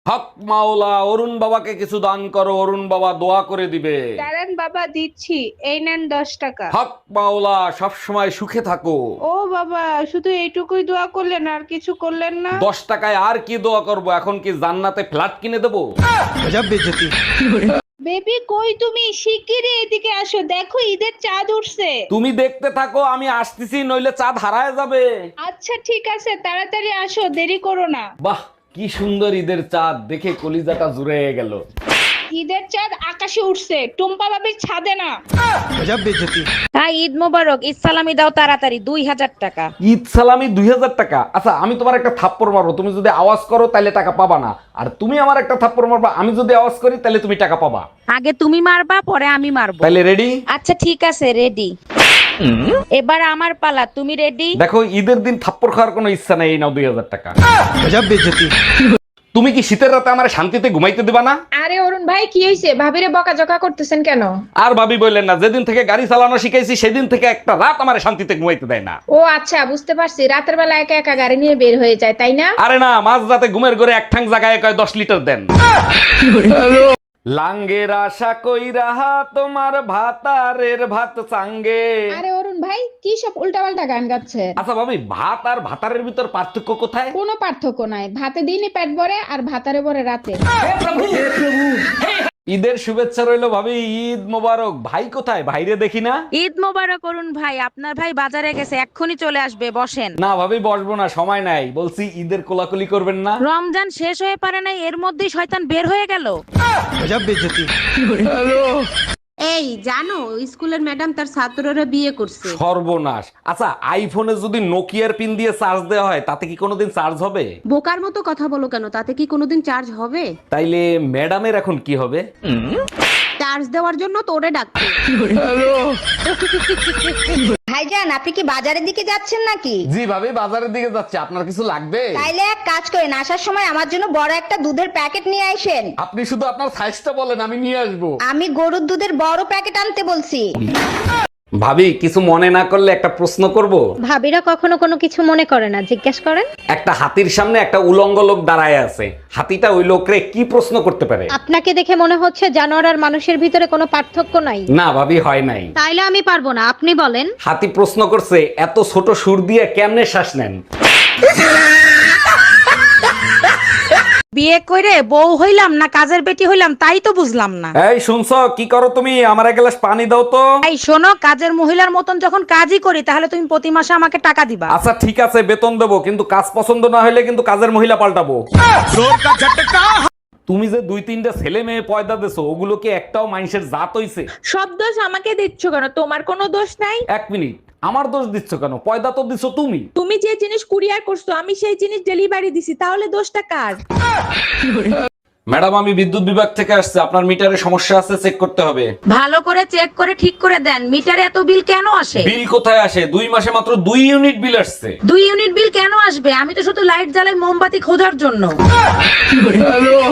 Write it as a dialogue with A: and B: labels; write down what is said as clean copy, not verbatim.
A: হক মাওলা, অরুণ বাবাকে কিছু দান করো, অরুণ বাবা দোয়া করে দিবে।
B: দাঁড়ান বাবা, দিচ্ছি। এই নেন 10 টাকা।
A: হক মাওলা, সব সময় সুখে থাকো।
B: ও বাবা, শুধু এইটুকুই দোয়া করলেন, আর কিছু করলেন না?
A: 10 টাকায় আর কি দোয়া করব? এখন কি জান্নাতে ফ্ল্যাট কিনে দেবো?
B: বেবি কই তুমি? শিগগিরই এদিকে আসো, দেখো ঈদের চাঁদ উঠছে।
A: তুমি দেখতে থাকো, আমি আসতেছি, নইলে চাঁদ হারায় যাবে।
B: আচ্ছা ঠিক আছে, তাড়াতাড়ি আসো, দেরি করো না।
A: বাহ, কি সুন্দর ঈদের চাঁদ, দেখে কলিজাটা জুড়ে গেল।
B: ঈদের চাঁদ আকাশে উঠছে, টুম্পা বাবির ছাদে না।
C: হ্যাঁ, ঈদ মোবারক। ঈদ সালামি দাও তাড়াতাড়ি, 2000 টাকা।
A: ঈদ সালামি 2000 টাকা? আচ্ছা, আমি তোমার একটা থাপ্পড় মারবো, তুমি যদি আওয়াজ করো তাহলে টাকা পাবা না, আর তুমি আমার একটা থাপ্পড় মারবা, আমি যদি আওয়াজ করি তাহলে তুমি টাকা পাবা।
C: আগে তুমি মারবা, পরে আমি মারবো।
A: তাহলে রেডি?
C: আচ্ছা ঠিক আছে, রেডি। এবার আমার পালা, তুমি রেডি?
A: দেখো, ঈদের দিন থাপ্পড় খাওয়ার কোনো ইচ্ছা নেই, এই নাও 2000 টাকা। তুমি কি শীতের রাতে আমার শান্তিতে ঘুমাইতে দিবা না?
D: আরে অরুণ ভাই, কি হয়েছে? ভাবিরে বকাঝকা করতেছেন কেন?
A: আর ভাবি বললেন না, যেদিন থেকে গাড়ি চালানো শিখাইছি সেদিন থেকে একটা রাত আমার শান্তিতে ঘুমাইতে দেয় না।
D: ও আচ্ছা, বুঝতে পারছি। রাতের বেলা একা একা গাড়ি নিয়ে বের হয়ে যায়, তাই না?
A: আরে না, মাঝ রাতে ঘুমের ঘরে এক ঠাং জায়গায় কয় 10 লিটার দেন। লাঙ্গের আশা কইরা তোমার ভাতারের ভাত চাঙ্গে।
D: আরে অরুণ ভাই, কি সব উল্টাপাল্টা গান গাচ্ছে?
A: আচ্ছা ভাবি, ভাত আর ভাতারের ভিতর পার্থক্য কোথায়?
D: কোনো পার্থক্য নাই, ভাতে দিনই পেট ভরে আর ভাতারে ভরে রাতে।
A: ঈদের শুভেচ্ছা রইলো ভাবি, ঈদ মোবারক। ভাই কোথায়? ভাইরে দেখি না।
C: ঈদ মোবারক করুন ভাই, আপনার ভাই বাজারে গেছে, এক্ষুনি চলে আসবে, বসেন।
A: না ভাবি, বসবো না, সময় নাই। বলছি ঈদের কোলাকুলি করবেন না?
C: রমজান শেষ হয়ে পারে নাই, এর মধ্যেই শয়তান বের হয়ে গেল।
E: এই জানো, স্কুলের ম্যাডাম তার ছাত্ররা বিয়ে করছে।
A: সর্বনাশ। আচ্ছা, আইফোনে যদি নোকিয়ার পিন দিয়ে চার্জ দেওয়া হয় তাতে কি কোনোদিন চার্জ হবে?
E: বোকার মতো কথা বলো কেন? তাতে কি কোনোদিন চার্জ হবে?
A: তাইলে ম্যাডামের এখন কি হবে?
E: চার্জ দেওয়ার জন্য তোরে ডাকছে।
F: ভাইজান, আপনি কি বাজারের দিকে যাচ্ছেন নাকি?
A: জি ভাবি, বাজারের দিকে যাচ্ছে। আপনার কিছু লাগবে?
F: তাইলে এক কাজ করেন, আসার সময় আমার জন্য বড় একটা দুধের প্যাকেট নিয়ে আসেন।
A: আপনি শুধু আপনার সাইজটা বলেন, আমি নিয়ে আসবো।
F: আমি গরুর দুধের বড় প্যাকেট আনতে বলছি।
A: ভাবি, কিছু মনে না করলে একটা প্রশ্ন করব?
G: ভাবিরা কখনো কোনো কিছু মনে করে না, জিজ্ঞেস করেন।
A: একটা হাতির সামনে একটা উলঙ্গ লোক দাঁড়ায় আছে, হাতিটা ওই লোকরে কি প্রশ্ন করতে পারে?
G: আপনাকে দেখে মনে হচ্ছে জানোয়ার আর মানুষের ভিতরে কোনো পার্থক্য নাই।
A: না ভাবি, হয় নাই।
G: তাইলে আমি পারবো না, আপনি বলেন।
A: হাতি প্রশ্ন করছে, এত ছোট সুর দিয়ে কেমনে শ্বাস নেন?
C: বিয়ে করে বউ হইলাম না কাজের বেটি হইলাম, তাই তো বুঝলাম না।
A: এই শুনছো, কি করো তুমি? আমার এক গ্লাস পানি দাও তো।
C: এই শোনো, কাজের মহিলার মতন যখন কাজই করি, তাহলে তুমি প্রতি মাসে আমাকে টাকা দিবা।
A: আচ্ছা ঠিক আছে, বেতন দেবো, কিন্তু কাজ পছন্দ না হলে কিন্তু কাজের মহিলা পাল্টাবো। তুমি যে 2-3টা ছেলে মেয়ে পয়দা দেছো, ওগুলো কি একটাও মানুষের জাত হইছে?
D: সব দোষ আমাকে দিচ্ছ কেন? তোমার কোনো দোষ নাই।
A: এক মিনিট, আমার দোষ দিচ্ছ কেন? পয়দা তো দিছো তুমি।
D: তুমি যে জিনিস কুরিয়ার করছো, আমি সেই জিনিস ডেলিভারি দিছি, তাহলে দোষটা কার?
A: ম্যাডাম, আমি বিদ্যুৎ বিভাগ থেকে আসছে, আপনার মিটারে সমস্যা আছে, চেক করতে হবে।
C: ভালো করে চেক করে ঠিক করে দেন। মিটারে এত বিল কেন আসে?
A: বিল কোথায় আসে? 2 মাসে মাত্র 2 ইউনিট বিল আসছে।
C: 2 ইউনিট বিল কেন আসবে? আমি তো শুধু লাইট জ্বালাই মোমবাতি খোঁজার জন্য।